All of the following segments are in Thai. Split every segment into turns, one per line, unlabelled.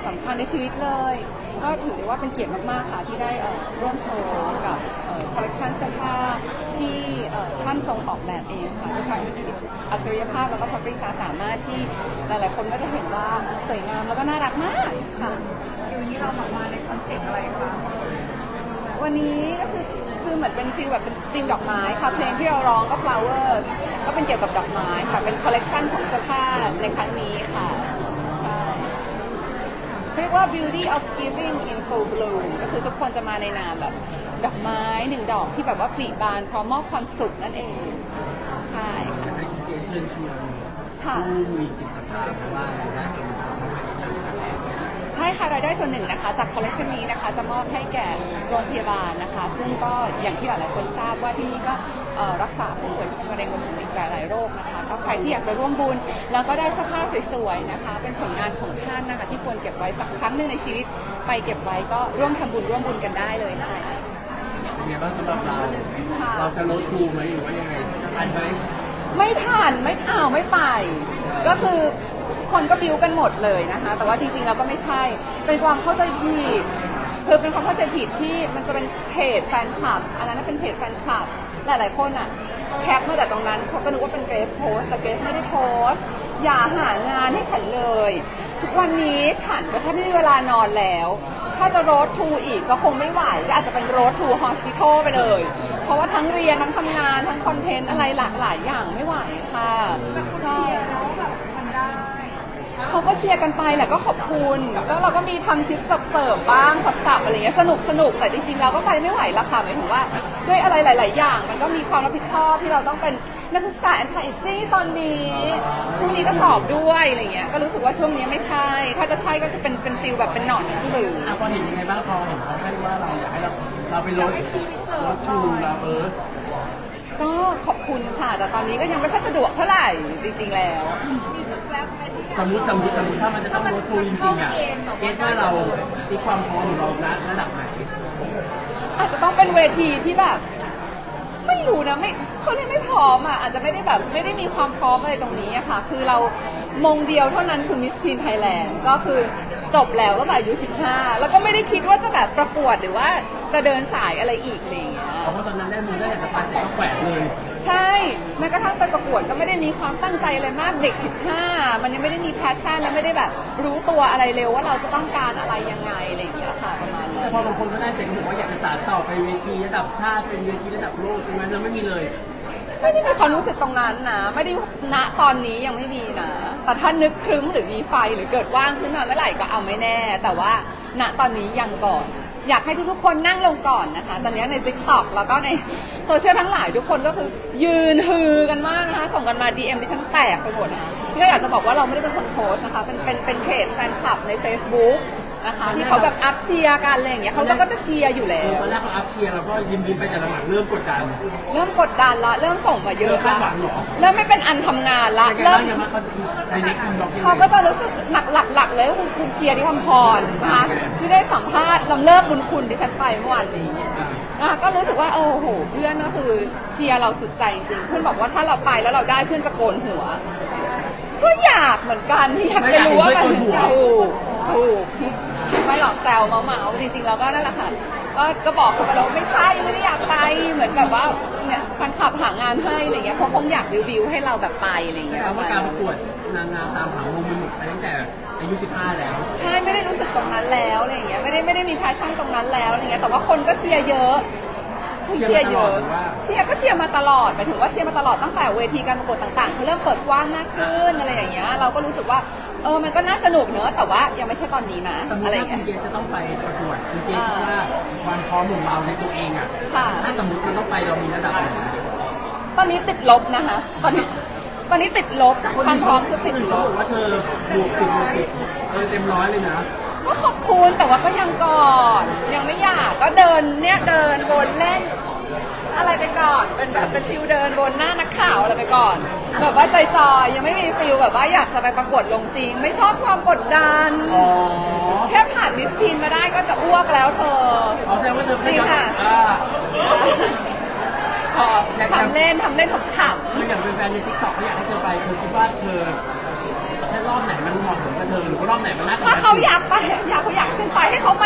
สำคัญในชีวิตเลยก็ถือได้ว่าเป็นเกียรติมากๆค่ะที่ได้ร่วมโชว์กับคอลเลคชันเสื้อผ้าที่ท่านทรงออกแบบเองค่ะด้วยความอัจฉริยภาพแล้วก็พระปรีชาสามารถที่หลายๆคนก็จะเห็นว่าสวยงามแล้วก็น่ารักมากค่ะ
อยู่นี้เรามาในคอนเซ็ปต์อะไรคะ
วันนี้ก็คือเหมือนเป็นฟีลแบบเป็นธีมดอกไม้ค่ะเพลงที่เราร้องก็ flowers ก็เป็นเกี่ยวกับดอกไม้ค่ะเป็นคอลเลกชันของเสื้อผ้าในครั้งนี้ค่ะใช่เรียกว่า beauty of giving in full bloom ก็คือทุกคนจะมาในนามแบบดอกไม้หนึ่งดอกที่แบบว่าผลิบานพร้อมมอบความสุขนั่นเองใช่ค่ะ
ให้คุณเกเชิญชวนผู้มีจิตศรัทธาเพราะว่ารายได้ส่วนหนึ่งของเรา
ใช่ค่ะรายได้ส่วนหนึ่งนะคะจากคอลเลคชันนี้นะคะจะมอบให้แก่โรงพยาบาลนะคะซึ่งก็อย่างที่หลายๆคนทราบว่าที่นี่ก็รักษาผู้ป่วยมะเร็งรวมถึงอีกหลายๆโรคนะคะก็ใครที่อยากจะร่วมบุญแล้วก็ได้เสื้อผ้าสวยๆนะคะเป็นผลงานของท่านนะคะที่ควรเก็บไว้สักครั้งหนึ่งในชีวิตไปเก็บไว้ก็ร่วมทำบุญร่วมบุญกันได้เลยค่ะ
เป็นไงบ้างสำหรับเราจะลดทูไหมหรือว่ายังไงทันไหม
ไม่ทันไม่ไปก็คือคนก็บิ้วกันหมดเลยนะคะแต่ว่าจริงๆเราก็ไม่ใช่เป็นความเข้าใจผิดคือเป็นความเข้าใจผิดที่มันจะเป็นเพจแฟนคลับอันนั้นเป็นเพจแฟนคลับหลายๆคนอ่ะแคปมาจากตรงนั้นเขาก็นึกว่าเป็นเกรซโพสแต่เกรซไม่ได้โพสอย่าหางานให้ฉันเลยทุกวันนี้ฉันก็แทบไม่มีเวลานอนแล้วถ้าจะโรดทูอีกก็คงไม่ไหวก็อาจจะเป็นโรดทูฮอสพิทอลไปเลยเพราะว่าทั้งเรียนทั้งทำงานทั้งคอนเทนต์อะไรหลากหลายอย่างไม่ไหวค่ะใช่เขาก็เชียร์กันไปแหละก็ขอบคุณก็เราก็มีทำคลิปเสิร์ฟบ้างสับๆอะไรเงี้ยสนุกแต่จริงๆเราก็ไปไม่ไหวละค่ะหมายถึงว่าด้วยอะไรหลายๆอย่างมันก็มีความรับผิดชอบที่เราต้องเป็นนักศึกษาแอนทาอิจี้ตอนนี้พรุ่งนี้ก็สอบด้วยอะไรเงี้ยก็รู้สึกว่าช่วงนี้ไม่ใช่ถ้าจะใช่ก็คือเป็นฟิลแบบเป็นหนอนหนังสือ
พอเห็นยังไงบ้างพอเห็นเขาให้ว่าเราอยากให้เราไปลดทูเรา
ก็ขอบคุณค่ะแต่ตอนนี้ก็ยังไม่ค่อยสะดวกเท่าไหร่จริงๆแล้ว
สมมติถ้ามันจะต้องลดทูจริงๆอ่ะเกณฑ์ว่าเราตีความพร้อมของเราระดับไหน
อาจจะต้องเป็นเวทีที่แบบไม่รู้นะไม่เขาเรียกไม่พร้อมอ่ะอาจจะไม่ได้แบบไม่ได้มีความพร้อมอะไรตรงนี้อะค่ะคือเรามงเดียวเท่านั้นคือมิสทีนไทยแลนด์ก็คือจบแล้วตั้งแต่อายุ15แล้วก็ไม่ได้คิดว่าจะแบบประกวดหรือว่าจะเดินสายอะไรอีกอะไรอย่างเงี้ย
เพราะตอนนั้นได้มือได้แต่สปาเสร็จก็แขวนเลย
ใช่แม้กระทั่งไปประกวดก็ไม่ได้มีความตั้งใจอะไรมากเด็ก15มันยังไม่ได้มีแพชชั่นและไม่ได้แบบรู้ตัวอะไรเร็วว่าเราจะต้องการอะไรยังไงอะไรอย่างเงี้ยค่ะประมาณนั้น
แต่พอบางคนเขาได้เสร็จเขาบอกว่าอยากจะสานต่อไปเวทีระดับชาติเป็นเวทีระดับโลกตรงนั้นเราไม่มีเลย
ไม่ได้มีความรู้สึกตรงนั้นนะไม่ได้ณตอนนี้ยังไม่มีนะแต่ถ้านึกครึ้มหรือมีไฟหรือเกิดว่างขึ้นมาเมื่อไหร่ก็เอาไม่แน่แต่ว่าณตอนนี้ยังก่อนอยากให้ทุกๆคนนั่งลงก่อนนะคะตอนนี้ใน TikTok แล้วก็ในโซเชียลทั้งหลายทุกคนก็คือยืนฮือกันมากนะคะส่งกันมา DM ที่ฉันแตกไปหมดนะคะนี่ก็อยากจะบอกว่าเราไม่ได้เป็นคนโพสนะคะเป็นเพจแฟนคลับใน Facebookนะคะที่เขาแบบอัพเชียร์กันอะไรอย่างเงี้ยเขาก็จะเชียร์อยู่แล้ว
ตอนแรกเขาอัพเชียร์เราก็ยิ้มไปแต่หลังเริ่มกดดัน
ละเริ่มส่งมาเยอะละ
เริ่
มไม่เป็นอันทำงานละเริ่มเขาก็จะรู้สึกหลักเลยก็คือคุณเชียร์ที่คำพรนะคะที่ได้สัมภาษณ์ลำเลิกบุญคุณที่ฉันไปเมื่อวานนี้นะคะก็รู้สึกว่าโอ้โหเพื่อนก็คือเชียร์เราสุดใจจริงเพื่อนบอกว่าถ้าเราไปแล้วเราได้เพื่อนจะโกนหัวก็อยากเหมือนกันอยากจะรู้ว่ามันถูกไม่หลอกแซวเมาจริงๆเราก็นั่นแหละค่ะก็บอกเขาไปแล้วไม่ใช่ไม่ได้อยากไปเหมือนแบบว่าเนี่ยแฟนคลับหางานให้อะไรเงี้ยเขาคงอยากบิวให้เราแบบไปอะไรเงี้ย
ว่าการประกวดนางงามตามผังลงมันหมดไปตั้งแต่อายุ15แล้ว
ใช่ไม่ได้รู้สึกตรงนั้นแล้วอะไรเงี้ยไม่ได้มีแพชชั่นตรงนั้นแล้วอะไรเงี้ยแต่ว่าคนก็เชียร์เยอะเชียร์เยอะเชียร์มาตลอดหมายถึงว่าเชียร์มาตลอดตั้งแต่เวทีการประกวดต่างๆเขาเริ่มเปิดกว้างมากขึ้นอะไรอย่างเงี้ยเราก็รู้สึกว่ามันก็น่าสนุกเนอะแต่ว่ายังไม่ใช่ตอนนี้นะ
อะไรอย่างเงี้ยคุณเกจะต้องไปประกวดคุณเกคิดว่าความพร้อมของเราในตัวเองอ่ะถ้าสมมติมันต้องไปเรามีระดับไหน
ตอนนี้ติดลบนะคะตอนนี้ติดลบความพร้อมคือติดลบ
ว่าเธอบวก10เต็ม100เลยนะ
ก็ขอบคุณแต่ว่าก็ยังก่อนยังไม่อยากก็เดินวนเล่นอะไรไปก่อนเป็นฟิลเดินบนหน้านักข่าวอะไรไปก่อนแบบว่าจอยยังไม่มีฟิลแบบว่าอยากจะไปประกวดลงจริงไม่ชอบความกดดันแค่ผ่านมิสทีนมาได้ก็จะอ้วกแล้วเธอ
แสดงว่าเธอ
จริงค่ะทำเล่นขำ
ๆคืออย่างเป็นแฟนในทิกตอกเขาอยากให้เธอไปเธอคิดว่าเธอแค่รอบไหนมันเหมาะสมกับเธอหรือว่ารอบไหนมันน่า
ถ้าเขาอยากไป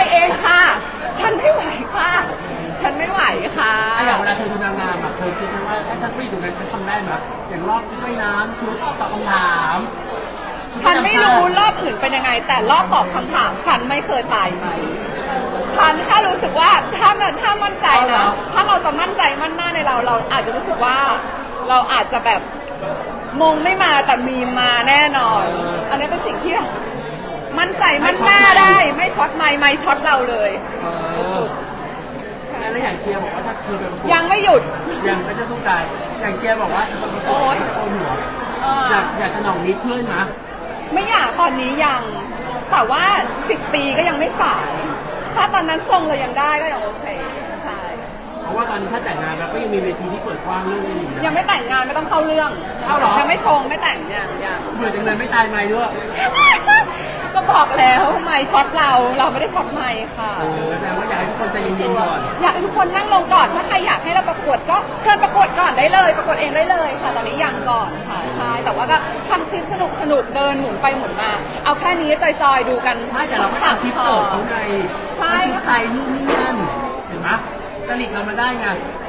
เองค่ะ ฉันไม่ไหวค่ะ ฉันไม่ไหวค่ะ
อย่างเวลาเธอดูนางงามอ่ะเธอคิดไหมว่าถ้าฉันไม่อยู่ตรงนั้นฉันทำได้ไหมอย่างรอบที่ว่ายน้ำคือตอบคำถาม
ฉันไม่รู้รอบอื่นเป็นยังไง แต่รอบตอบคำถามฉันไม่เคยตายไหมฉันแค่รู้สึกว่าถ้ามั่นใจนะ ถ้าเราจะมั่นใจมั่นหน้าในเราอาจจะรู้สึกว่าเราอาจจะแบบมงไม่มาแต่มีมาแน่นอน อันนี้เป็นสิ่งที่มั่นใจมั่นหน้าได้ไม่ช็อตไม่ช็อตเราเลยสุด
แล้วอย่างเชียร์บอกว่าถ้าคือเป็น
ๆยังไม่หยุด
ยังไม่ได้สู้ตายอย่างเชียร์บอกว่าโอ้ยโกนหัวอยากสนองนิดเพื่อนนะ
ไม่อยากตอนนี้ยังแต่ว่า10 ปีก็ยังไม่สายถ้าตอนนั้นทรงเรายังได้ก็ยังโอเคใช่
เพราะว่าตอนนี้ถ้าแต่งงานเราก็ยังมีเวทีที่เปิดกว้างเรื่องนี้อยู่นะ
ยังไม่แต่งงานไม่ต้องเข้าเรื่อง
เอาเหรอ
ยังไม่ชงไม่แต่งยัง
เบื่อจังเลยไม่ตายไหมด้วย
ก็บอกแล้วไม่ช็อตเราไม่ได้ช็อตไม่ค่ะ
แต่ว่าอยากให้ทุกคนใจเย็นๆก่อน
อยากให้ทุกคนนั่งลงก่อนถ้าใครอยากให้เราประกวดก็เชิญประกวดก่อนได้เลยประกวดเองได้เลยค่ะ ตอนนี้ยังก่อนค่ะใช่แต่ว่าก็ทำคลิปสนุกเดินหมุนไปหมุนมา เอาแค่นี้จอยๆดูกัน
ไม่แต่เราก็ทำคลิปเสิร์ฟเขาไง
ใช่
ชุดไทยนู่นนี่นั่นเห็นไหมจริตเรามาได้ไง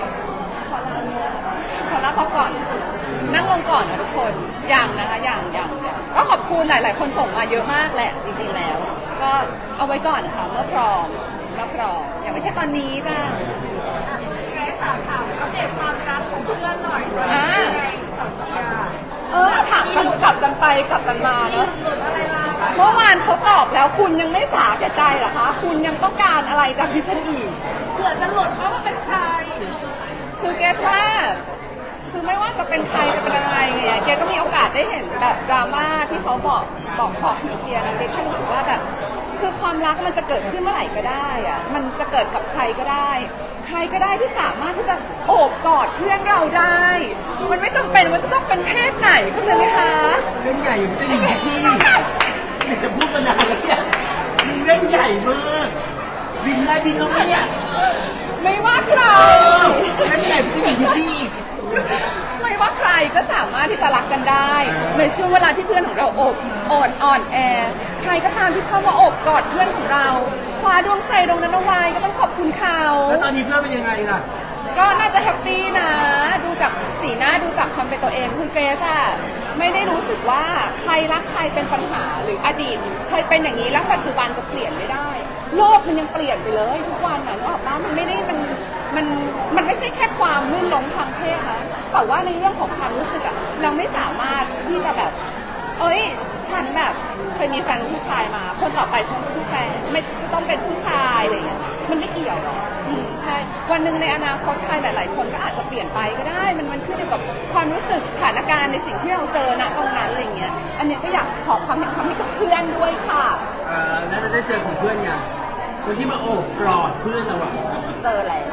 ขอรับเขาก่อนนั่งลงก่อนนะทุกคนยังนะคะยังก็ขอบคุณหลายๆคนส่งมาเยอะมากแหละจริงๆแล้ว ก็เอาไว้ก่อนนะคะเมื่อพร้อมอย่างไม่ใช่ตอนนี้จ้า
แม่ถามอัปเดตความรักของเพื่อนหน่อย
อ่า
สาวเชียร์
ถามกันกลับกันไปกลับกันมาเนอะ
หลุดอะไรมา
เมื่อวานเขาตอบแล้วคุณยังไม่สาแก่ใจเหรอคะคุณยังต้องการอะไรจากดิฉันอีก
เผื่อจะหลุดว่ามันเป็นใคร
คือเกสว่าคือไม่ว่าจะเป็นใครจะเป็นอะไรไงเกสก็มีโอกาสได้เห็นแบบดราม่าที่เขาบอกพี่เชียร์นะเกสแค่รู้สึกว่าแบบคือความรักมันจะเกิดขึ้นเมื่อไหร่ก็ได้อะมันจะเกิดกับใครก็ได้ ใครก็ได้ที่สามารถที่จะโอบกอดเพื่อนเราได้ มันไม่จำเป็นว่าจะต้องเป็นเพศไหนเข้าใจไหมคะ
เล่นใหญ่มันจะหญิงที่อยากจะพูดมานานแล้วเนี่ยมึงเล่นใหญ่มากบินได้บินแล้วเนี่ย
ไม่ว่าใคร
เล่นใหญ่มันจะหญิงที่
ไม่ว่าใครก็สามารถที่จะรักกันได้ในช่วงเวลาที่เพื่อนของเราอ่อนแอใครก็ตามที่เข้ามาโอบกอดเพื่อนของเราคว้าดวงใจตรงนั้นเอาไว้ก็ต้องขอบคุณเขา
แล้วตอนนี้เพื่อนเป็นยังไงล่ะ
ก็น่าจะแฮปปี้นะ ดูจากสีหน้าดูจากความเป็นตัวเองคือเกรซอะไม่ได้รู้สึกว่าใครรักใครเป็นปัญหาหรืออดีตเคยเป็นอย่างนี้แล้วปัจจุบันจะเปลี่ยนไม่ได้ โลกมันยังเปลี่ยนไปเลยทุกวันนะนึกออกปะมันไม่ได้มันไม่ใช่แค่ความลื่นล้มทางเพศนะแต่ว่าในเรื่องของความรู้สึกอะเราไม่สามารถที่จะแบบเอ้ยฉันแบบเคยมีแฟนผู้ชายมาคนต่อไปฉันเป็นผู้แฟนไม่ต้องเป็นผู้ชายอะไรอย่างเงี้ยมันไม่เกี่ยวหรอกใช่วันหนึ่งในอนาคตใครหลาย ๆ คนก็อาจจะเปลี่ยนไปก็ได้มันขึ้นอยู่กับความรู้สึกสถานการณ์ในสิ่งที่เราเจอณตรงนั้นอะไรเงี้ยอันนี้ก็อยากขอความเห็นความให้กับเพื่อนด้วยค่ะ
แล้วจะได้เจอของเพื่อนไงคนที่มาโอบกอดเพื่อนเราอะ
เจอแล้ว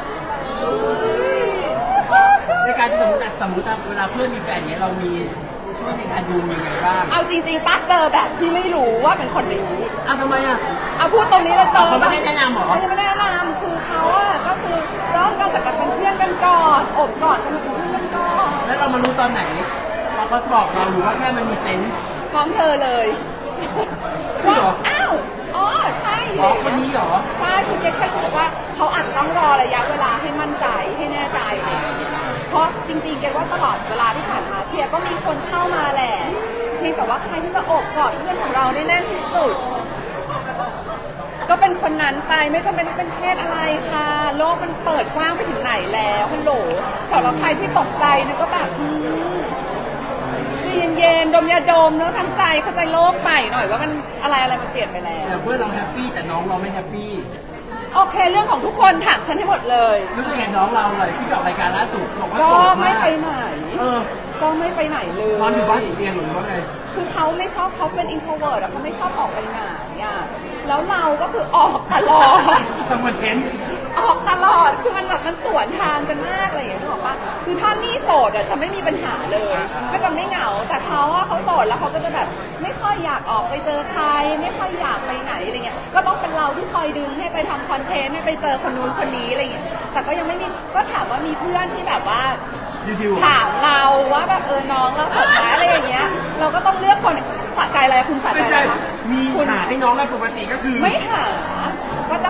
ในการที่สมมติเวลาเพื่อนมีแฟนเนี้ยเรามีช่วยในการดูยังไงบ้าง
เอาจริงๆป้าเจอแบบที่ไม่รู้ว่าเป็นคนนี้
ทำไมอะ
เอาพูดตรงนี้เลยเจอ
เขาไม่ได้แนะนำหรอ
เขายังไม่ได้แนะนำคือเขาอะก็คือเริ่มกันจากการเป็นเพื่อนกันก่อนอบกอดกันมาเป็นเพื่อนกันก่อน
แล้วเรามารู้ตอนไหนเราเขาบอกเราหรือว่าแค่มันมีเซนส์
พร้อมเธอเลย
พี่เหรอ
อ้าวอ๋อใช่
อ๋อคนนี้เหรอ
ใช่คือเจ๊แค่รู้สึกว่าเขาอาจจะต้องรอระยะเวลาให้มั่นใจให้แน่ใจอะไรอย่างเงี้ยเพราะจริงๆเกว่าตลอดเวลาที่ผ่านมาเชียร์ก็มีคนเข้ามาแหละเพียงแต่ว่าใครที่จะโอบกอดเพื่อนของเราได้แน่นที่สุด ก็เป็นคนนั้นไปไม่จำเป็นต้องเป็นเพศอะไรค่ะ โลกมันเปิดกว้างไปถึงไหนแล้วฮัลโหลสำหรับใครที่ตกใจเนี่ยก็แบบใจเย็นๆดมยาดมแล้วทำใจเข้าใจโลกใหม่หน่อยว่ามันอะไรมันเปลี่ยนไปแล้ว
แต่เพื่อนเราแฮปปี้แต่น้องเราไม่แฮปปี้
โอเคเรื่องของทุกคนถามฉันให้หมดเลย
รู้สึกไงน้องเราเลยที่ไปออกรายการล่าสุดบอกว่า
ก็
โสด
ไม่
มาก
ไปไหน ก็ไม่ไปไหนเลย
นอนอยู่บ้านติดเตียงหรือว่าไง
คือเขาไม่ชอบเขาเป็น introvert อะเขาไม่ชอบออกไปไหนอะแล้วเราก็คือออกตลอด
ทำคอนเทนต์
ออกตลอด คือมันแบบมันสวนทางกันมากอะไรอย่างเงี้ยนึกออกปะคือถ้านี่โสดอะจะไม่มีปัญหาเลย ก็จะไม่เหงา แต่เขาอะเขาโสดแล้วเขาก็จะแบบไม่ค่อยอยากออกไปเจอใคร ไม่ค่อยอยากไปไหนอะไรเงี้ย ก็ต้องเป็นเราที่คอยดึงให้ไปทำคอนเทนต์ให้ไปเจอคนนู้นคนนี้อะไรเงี้ย แต่ก็ยังไม่มี ก็ถามว่ามีเพื่อนที่แบบว่า
ดิว
ถามเราว่าแบบน้องเราสดไหมอะไรอย่างเงี้ย เราก็ต้องเลือกคนสะใจอะไรคุณสะใจ
ไม่
อะไร
ใช่
คะ
มีหาให้น้องแล้วปกติก็คือ
ไม่หาก็จะ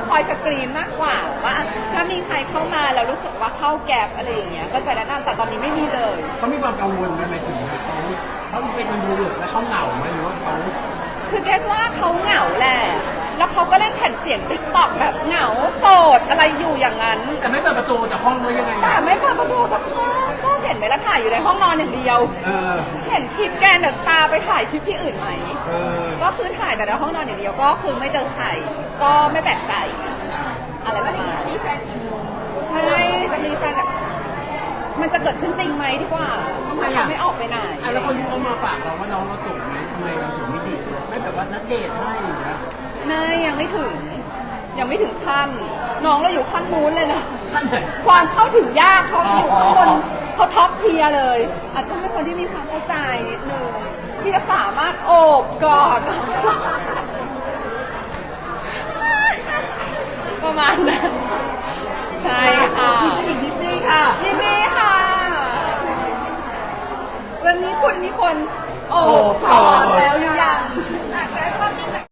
คอยสกรีนมากกว่าว่าถ้ามีใครเข้ามาแล้วรู้สึกว่าเข้าแก็บอะไรอย่างเงี้ยก็จะแนะนำแต่ตอนนี้ไม่มีเลย
เขามีความกังวลไหมหมายถึงเขาเป็นคนดูแล้วเขาเหงาไหมหรือว่าเขา
คือเกสว่าเขาเหงาแหละแล้วเขาก็เล่นแผ่นเสียงติ๊กต็อกแบบเหงาโสดอะไรอยู่อย่างนั้น
แต่ไม่เปิดประตูจากห้องเลยยังไง
แต่ไม่เปิดประตูจากห้องก็เห็นไหมล่ะถ่ายอยู่ในห้องนอนอย่างเดียว เห็นคลิปแกนเดอะสตาร์ไปถ่ายคลิปที่อื่นไหมก็คือถ่ายแต่ในห้องนอนอย่างเดียวก็คือไม่เจอใครก็ไม่แปลกใจอะไรประมาณ
มีแฟนกี่โมง
ใช่จะมีแฟนแบบมันจะเกิดขึ้นจริงไหมดีกว่าเขาไม่ออกไปไหน
แล้วคนที่เขามาฝากเราว่าน้องเราส่งไหมทำไมเราถึงไม่ดีไม่แบบว่านัดเดทให้อย่างเงี้ย
ไม่ยังไม่ถึงขั้นน้องเราอยู่ขั้นนู้นเลยนะ
ขั้นไหน
ความเข้าถึงยากเขาอยู่ข้างบนเขาท็อปเทียร์เลย อาจจะเป็นคนที่มีความเข้าใจนิดนึงที่จะสามารถโอบกอด ประมาณนั้นใช่ค่ะ
คุณจะอีกนิดนึงค่ะ
ยินดีค่ะ วันนี้คุณมีคนโอบกอดแล้วนะ